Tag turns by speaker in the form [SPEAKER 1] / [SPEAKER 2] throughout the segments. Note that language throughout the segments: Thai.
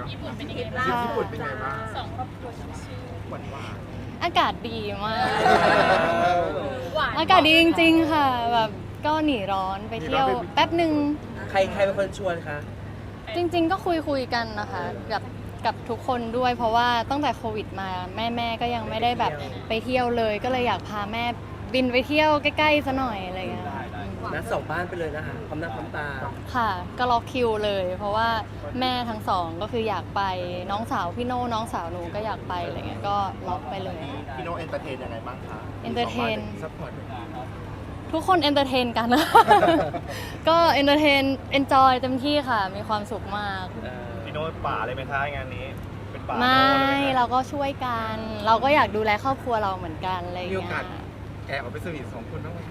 [SPEAKER 1] ญี่ปุ่นเป็นยังไงบ้าง
[SPEAKER 2] ญี่ปุ่นเป็นไงบ้าง
[SPEAKER 1] สองครอบครัวชื่อ
[SPEAKER 2] หวานหวาน
[SPEAKER 3] อากาศดีมาก
[SPEAKER 1] หวาน
[SPEAKER 3] อากาศดีจริงๆค่ะแบบก็หนีร้อนไปเที่ยวแป๊บหนึ่ง
[SPEAKER 4] ใครเป็นคนชวนคะ
[SPEAKER 3] จริงๆก็คุยกันนะคะกับทุกคนด้วย เพราะว่าตั้งแต่โควิดมาแม่ก็ยังไม่ได้แบบไปเที่ยวเลย ก็เลยอยากพาแม่บินไปเที่ยวใกล้ๆซะหน่อยอะไรเงี้ย
[SPEAKER 4] นัดสองบ้านไปเลยนะคะพร้อมหน้าพร้อมตา
[SPEAKER 3] ค่ะ ก็ล็อกคิวเลย เพราะว่าแม่ทั้งสองก็คืออยากไปน้องสาวพี่โน่น้องสาวหนูก็อยากไปอะไรเงี้ยก็ล็อกไปเลย
[SPEAKER 2] พี่โน้เอนเตอร์เทนยังไงบ้างคะ
[SPEAKER 3] เอนเตอร์เทน
[SPEAKER 2] ซัพพอร์ต
[SPEAKER 3] ทุกคนเอนเตอร์เทนกัน ก็เอนเตอร์เทนเอนจอยเต็มที่ค่ะ มีความสุขมาก
[SPEAKER 5] พี่โน้ตป่าเลยไหมคะงานนี้ เป็นป่า
[SPEAKER 3] ไม่
[SPEAKER 5] โน้ตเลยไหมคะ
[SPEAKER 3] เราก็ช่วยกัน เราก็อยากดูแลครอบครัวเราเหมือนกันอะไรอย่าง
[SPEAKER 2] มี
[SPEAKER 3] เงี้
[SPEAKER 2] โอย กาสแกออกไปสวีทสองคนบ้างไหม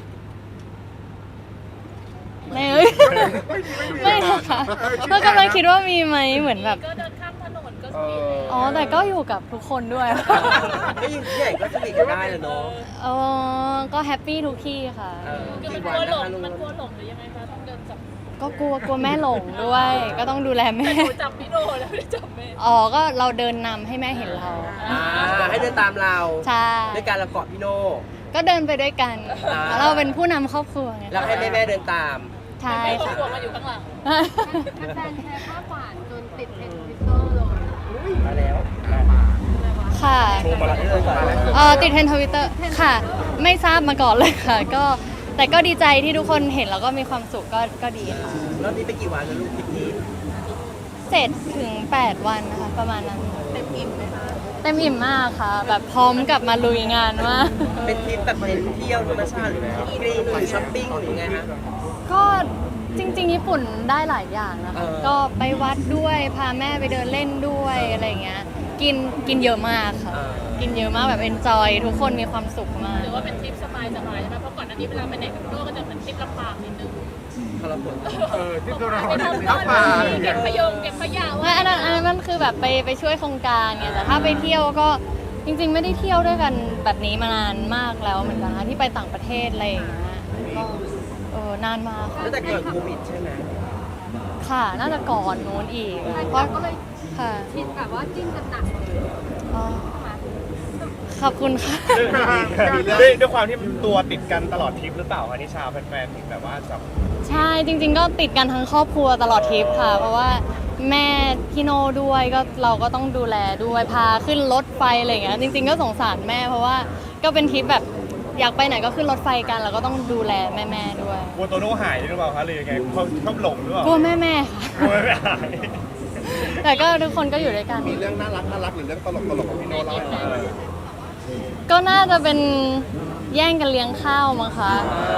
[SPEAKER 3] ไม่เอ้ย ไม่นะคะเรากำลังคิดว่ามีไหมเหมือนแบบ
[SPEAKER 1] ก็เดินข้ามถนนก็ส
[SPEAKER 2] เอ
[SPEAKER 1] วีท
[SPEAKER 2] อ
[SPEAKER 3] อ๋อแต่ก็อยู่กับทุกคนด้วย
[SPEAKER 4] ไม่ยิงที่ใหญ่ก็สนิทกันได้แหละเนาะ
[SPEAKER 3] อ๋อก็แฮปปี้ทุกที่ค่ะ
[SPEAKER 1] คือมันกลัวหลงมันกลัวหลงหรือยังไงคะต้องเดินจับ
[SPEAKER 3] ก็กลัวแม่หลงด้วย ก็ต้องดูแลแม่
[SPEAKER 1] หนูจับพี่โดแล้วไม่ได้จับแม่
[SPEAKER 3] อ๋อก็เราเดินนำให้แม่เห็นเรา
[SPEAKER 4] ให้เดินตามเรา
[SPEAKER 3] ใช่
[SPEAKER 4] ด้วยการเราเกาะพี่โน่
[SPEAKER 3] ก็เดินไปด้วยกัน
[SPEAKER 4] อ่า
[SPEAKER 3] เราเป็นผู้นำครอบครัวไง
[SPEAKER 4] แล้วให้แม่เดินตาม
[SPEAKER 3] ใช่
[SPEAKER 1] แม่ครอบ
[SPEAKER 3] ค่ะ
[SPEAKER 1] ครัวมาอยู่ข้างหลัง
[SPEAKER 6] แฟนแชร์ภาพหวานจนติดเทรนด์ทวิตเตอร์เลย
[SPEAKER 4] มาแล้ว
[SPEAKER 3] ค่ะ
[SPEAKER 5] โชว์มาแล้ว
[SPEAKER 3] ติดเทรนทวิตเตอร์ค่ะ ไม่ทราบมาก่อนเลยค่ะ ก็แต่ก็ดีใจที่ทุกคนเห็นแล้วก็มีความสุขก็ดีค่ะ
[SPEAKER 4] รอบนี้ไปกี่วันแล้วลูกทริปนี้
[SPEAKER 3] เสร็จถึง 8 วันนะคะ ประมาณนั้น
[SPEAKER 6] เต็มอิ่มไหมคะ
[SPEAKER 3] เต็มอิ่มมากค่ะ แบบพร้อมกลับมาลุยงานมาก
[SPEAKER 4] เป็นทริปแบบเน้นเที่ยวธรรมชาติหรือทริปกรีนหรือช้อปปิ้งหรือไงฮะ
[SPEAKER 3] ก็จริงๆญี่ปุ่นได้หลายอย่างนะคะ
[SPEAKER 4] เออ
[SPEAKER 3] ก็ไปวัดด้วยพาแม่ไปเดินเล่นด้วยอะไรอย่างเงี้ยกินเยอะมากค่ะ กินเยอะมากแบบเอนจอยทุกคนมีความสุขมาก
[SPEAKER 1] หรือว่าเป็นทริปสบายใช่ไหมเพราะก่อนหน้านี้เวลาไปไหนกับพี่โดก็จะเหมือนทริปลำบากนิดนึง
[SPEAKER 4] ทรมาน
[SPEAKER 2] ที่ตัวเรา
[SPEAKER 1] ไปทำ
[SPEAKER 2] ทับมา
[SPEAKER 1] เก็บขยงเก็บขยะ
[SPEAKER 3] ไม่อันนั้นมันคือแบบไปช่วยโครงการไงแต่ถ้าไปเที่ยวก็จริงๆ ไม่ได้เที่ยวด้วยกันแบบนี้มานานมากแล้วเหมือนกันนะที่ไปต่างประเทศอะไรอย่างเงี้ยก็นานมากค่ะ
[SPEAKER 4] ตั้งแต่ก่อนโควิดใช่ไหม
[SPEAKER 3] ค่ะน่าจะก่อนนู้นอีก
[SPEAKER 6] แฟน
[SPEAKER 3] เพ
[SPEAKER 6] คลั
[SPEAKER 3] ราะ
[SPEAKER 6] บก็เลย
[SPEAKER 3] ค่ะ
[SPEAKER 6] ชินแบบว่าจิ้นกันหนักเลย
[SPEAKER 3] อ๋อขอบคุณค่ะ
[SPEAKER 5] ด้วยความที่ตัวติดกันตลอดทริปหรือเปล่าคะนิชาแฟนๆถึงแบบว่าจับ
[SPEAKER 3] ใช่จริงๆก็ติดกันทั้งครอบครัวตลอดทริปค่ะ เพราะว่าแม่พี่โน่ด้วยก็เราก็ต้องดูแลด้วยพาขึ้นรถไฟอะไรอย่างเงี้ยจริงๆก็สงสารแม่เพราะว่าก็เป็นทริปแบบอยากไปไหนก็ขึ้นรถไฟกันแล้วก็ต้องดูแลแม่ๆด้วย
[SPEAKER 5] กลัวโตโน่หายหรือเปล่าคะหรือยังไงเขาชอบหลงหรือเปล่าก
[SPEAKER 3] ลัวแม่ๆค่ะ
[SPEAKER 5] กลัวไม่หาย
[SPEAKER 3] แต่ก็ทุกคนก็อยู่ด้วยกัน
[SPEAKER 2] มีเรื่องน่ารักหรือเรื่องตลกของพี่โน้เล่าให้ฟัง
[SPEAKER 3] ก็น่าจะเป็นแย่งกันเลี้ยงข้าวมั้งคะ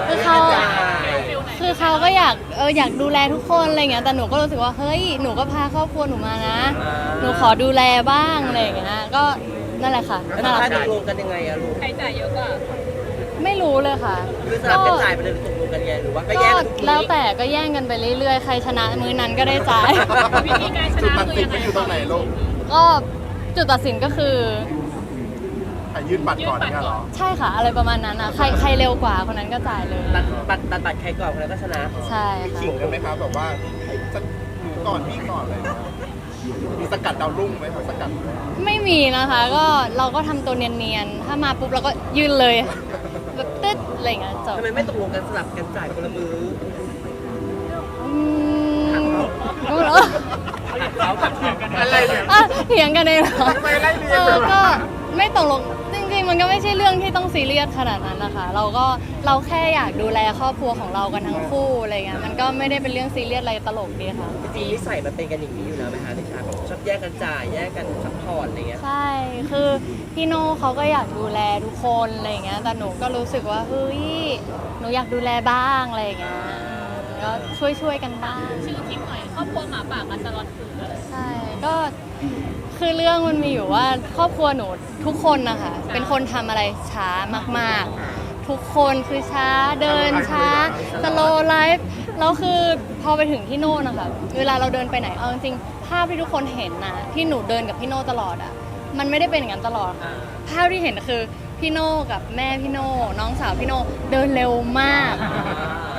[SPEAKER 3] คือเขาก็อยากดูแลทุกคนอะไรเงี้ยแต่หนูก็รู้สึกว่าเฮ้ยหนูก็พาครอบครัวหนูมานะ หนูขอดูแลบ้างอะไรอย่างเงี้ยก็นั่นแหละค่ะ
[SPEAKER 4] แล้ว
[SPEAKER 3] น่ารั
[SPEAKER 4] ค่าก ต
[SPEAKER 3] ดี
[SPEAKER 4] กลงกันยังไงอะลูก
[SPEAKER 1] ใครจ่ายเยอะกว่า
[SPEAKER 3] ไม่รู้เลยค่ะ
[SPEAKER 4] คือสลับกันจ่ายไปเลยหรือตกลงกันยังไงหรือว่าก็
[SPEAKER 3] ก็
[SPEAKER 4] แยกกันทุกที
[SPEAKER 3] แล้วแต่ก็แย่งกันไปเรื่อยๆ ใครชนะมื้อนั้นก็ได้จ่าย
[SPEAKER 1] วิธีการช
[SPEAKER 2] จุด
[SPEAKER 1] นะ
[SPEAKER 2] ตัด
[SPEAKER 1] คือ
[SPEAKER 2] สิน
[SPEAKER 1] ยังไง
[SPEAKER 2] ไม่อยู่ตรงไหนลูก
[SPEAKER 3] ก็จุดตัดสินก็คือ
[SPEAKER 2] ใครยื่นบัตรก่อนเนี่ยเหรอ
[SPEAKER 3] ใช่ค่ะ อะไรประมาณนั้นอ่ะใครเร็วกว่าคนนั้นก็จ่ายเลย
[SPEAKER 4] ตัดใครก่อนคนนั้นก็ชนะ
[SPEAKER 3] ใช่
[SPEAKER 2] มี
[SPEAKER 3] ค่ะ
[SPEAKER 2] ขิงกันไหมครับแบบว่าจะหนูก่อนพี่ก่อนอะไรอย่างเลยมีสกัดดาวรุ่งไหมครับสกัด
[SPEAKER 3] ไม่มีนะคะก็เราก็ทำตัวเนียนๆ ถ้ามาปุ๊บเราก็ยืนเลยแบบตึ๊ดอะไรอย่างเงี้ยจบ
[SPEAKER 4] ทำไมไม่ตกลงกันสลับกันจ่ายคนละมือ
[SPEAKER 3] อืมรู้เหรอ
[SPEAKER 2] อะไรเนี่ย
[SPEAKER 3] อ่ะเถียงกันเองเหรอ
[SPEAKER 2] ทำไมไล่เรียงกัน
[SPEAKER 3] ก็ไม่ตกลงจริงๆ มันก็ไม่ใช่เรื่องที่ต้องซีเรียสขนาดนั้นนะคะเราแค่อยากดูแลครอบครัวของเรากันทั้งคู่อะไรเงี้ยมันก็ไม่ได้เป็นเรื่องซีเรียสอะไรตลกดีค่ะ
[SPEAKER 4] จริงๆนิสัยมันเป็นกันอย่างนี้อยู่แล้วไหมคะนิชาแบบชอบแยกกันจ่ายแยกกันซัพพอร์ตอะไรเงี้ย
[SPEAKER 3] ใช่ คือพี่โน่เขาก็อยากดูแลทุกคนอะไรเงี้ย แต่หนูก็รู้สึกว่าเฮ้ย หนูอยากดูแลบ้างอะไรเงี้ยก็ช่วยกันบ้าง
[SPEAKER 1] ชื่อทริปหน่อยครอบครัวหมาป่ากันตลอดคืนเลย
[SPEAKER 3] ใช่ ก็คือเรื่องมันมีอยู่ว่าครอบครัวหนูทุกคนนะคะเป็นคนทำอะไรช้ามากๆ ทุกคนคือช้าเดินช้าสโลไลฟ์แล้วคือพอไปถึงที่โน่นนะคะเวลาเราเดินไปไหนเอาจริงๆภาพที่ทุกคนเห็นนะที่หนูเดินกับพี่โน่ตลอดอ่ะมันไม่ได้เป็นอย่างนั้นตลอดค่ะภาพที่เห็นคือพี่โน่กับแม่พี่โน่น้องสาวพี่โน่เดินเร็วมาก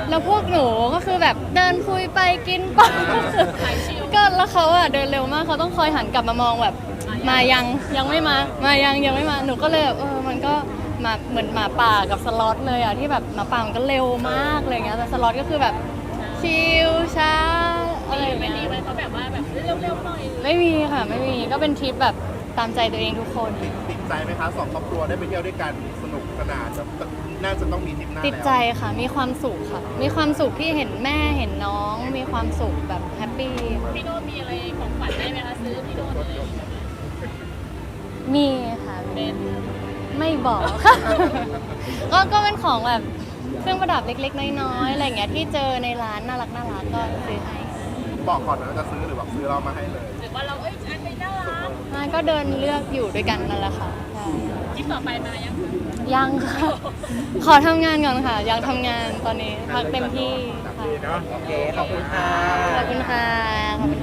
[SPEAKER 3] แล้วพวกหนูก็คือแบบเดินคุยไปกินไปก็แล้วเขาอะเดินเร็วมากเขาต้องคอยหันกลับมามองแบบมายังไม่มายังไม่มาหนูก็เลยแบบมันก็มาเหมือนหมาป่ากับสล็อตเลยอะที่แบบหมาป่ามันก็เร็วมากอะไรเงี้ยแต่สล็อตก็คือแบบชิลช้าอะไรอย่าง
[SPEAKER 1] ไม่
[SPEAKER 3] เงี้
[SPEAKER 1] มี
[SPEAKER 3] ย
[SPEAKER 1] ไหมเขาแบบว่าแบบเร็วๆหน่อย
[SPEAKER 3] ไม่มีค่ะไม่มีก็เป็นทริปแบบตามใจตัวเองทุกคน
[SPEAKER 2] ติดใจไหมคะสองครอบครัวได้ไปเที่ยวด้วยกันสนุกสนานน่าจะต้องมีทริปหน้า
[SPEAKER 3] ติด
[SPEAKER 2] แล้ว
[SPEAKER 3] ใจค่ะมีความสุขค่ะมีความสุขที่เห็นแม่เห็นน้องมีความสุขแบบแฮปปี้
[SPEAKER 1] พี่โน้ตมีอะไรของขวัญได้ไหมคะซื้อพี่โน้ตเลย
[SPEAKER 3] มีค่ะ
[SPEAKER 1] เป็น
[SPEAKER 3] ไม่บอกค่ะ ก็เป็นของแบบเครื่องประดับเล็กๆน้อยๆอะไรอย่างเงี้ยที่เจอในร้านน่ารักก็ซื้อให้
[SPEAKER 2] บอกก่อนนะว่าจะซื้อหรือแบบซื้อเรามาให้เลย
[SPEAKER 1] หรือว่าเราอันนี้น่ารัก
[SPEAKER 3] มันก็เดินเลือกอยู่ด้วยกันนั่นแหละค่ะใช่
[SPEAKER 1] คลิปต่อไปมายังคะ
[SPEAKER 3] ยังค่ะ ขอทำงานก่อนค่ะ ยังทำงานตอนนี้พักเต็มที่ค่ะ
[SPEAKER 5] ดีเนาะ
[SPEAKER 4] โอเค ขอบคุณค่ะ
[SPEAKER 3] ขอบคุณค่ะขอบคุณ